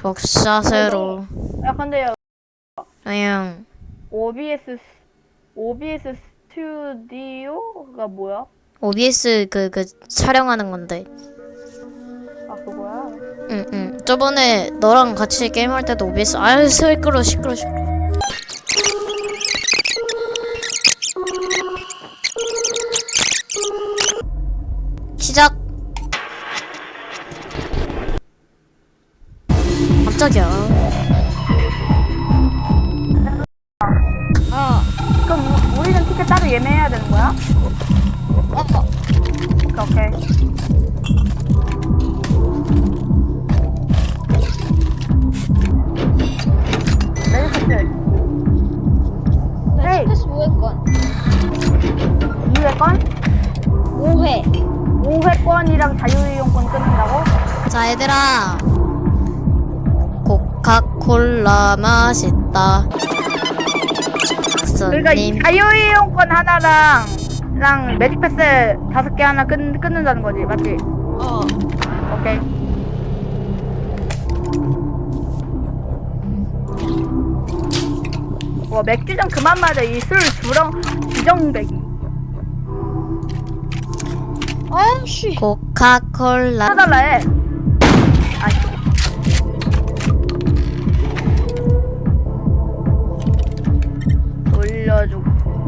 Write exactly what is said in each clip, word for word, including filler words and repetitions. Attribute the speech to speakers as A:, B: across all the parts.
A: 복사세로.
B: 야 근데요
A: 그냥
B: 오비에스 오비에스 스튜디오가 뭐야?
A: 오비에스 그 그 촬영하는 건데.
B: 아 그거야?
A: 응, 응. 저번에 너랑 같이 게임할 때도 오비에스. 아유, 시끄러, 시끄러, 시끄러. 시작. 깜짝이야.
B: 어. 그럼 우- 우리는 티켓 따로 예매해야 되는 거야?
C: 어.
B: 오케이 오케이. 메리카스 헤이.
C: 매직패스 오 회권.
B: 이 회권?
C: 오 회.
B: 오 회권이랑 자유이용권 끊는다고?
A: 자, 얘들아. 코카콜라 맛있다.
B: 그러니까 이
A: 손님.
B: 자유이용권 하나랑 랑 매직패스 다섯 개 하나 끊, 끊는다는 거지 맞지?
C: 어.
B: 오케이. 와 맥주 좀 그만 마자. 이 술 주렁 주정배기.
C: 아씨.
A: 코카콜라.
B: 사달라 해. 아이. 돌려주고.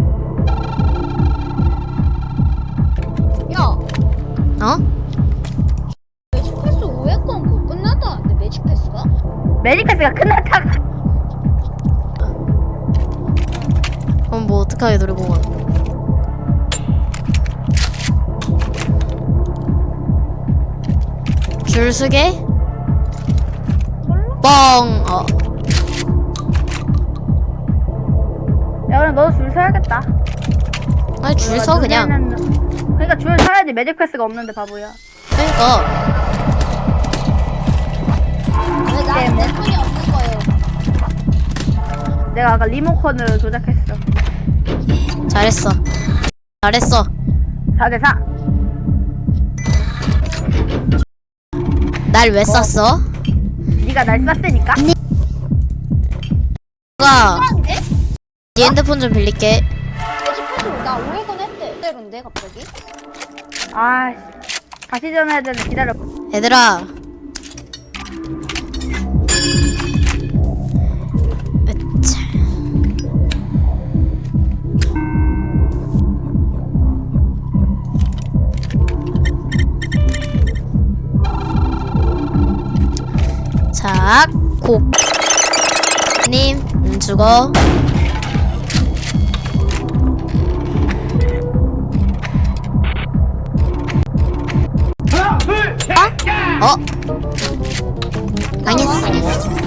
C: 야.
A: 어?
C: 매직패스 오 회권 그거 끝났다는데 매직패스가?
B: 매직패스가 끝났다가.
A: 그럼 뭐 어떡하게 노리고 가. 줄 서게? 뻥. 어.
B: 야 그럼 너도 줄 서야겠다.
A: 아니 줄 서 그냥.
B: 눈에는- 그러니까 줄 서야지. 매직패스가 없는데 바보야.
A: 그러니까.
C: 왜 나는 내 손이 없는 거예요?
B: 내가 아까 리모컨을 조작했어.
A: 잘했어. 잘했어.
B: 사 대 사.
A: 날 왜 쐈어?
B: 네가 날 쐈으니까.
A: 누가
C: 한데?
A: 네 핸드폰 좀 빌릴게.
C: 매직패스 나 오 회권 했대. 그대로인데 갑자기?
B: 아씨. 다시 전화해야 되는데 기다려.
A: 얘들아. 으차. 자, 고. 님, 안 죽어. 어? 어? 망했어.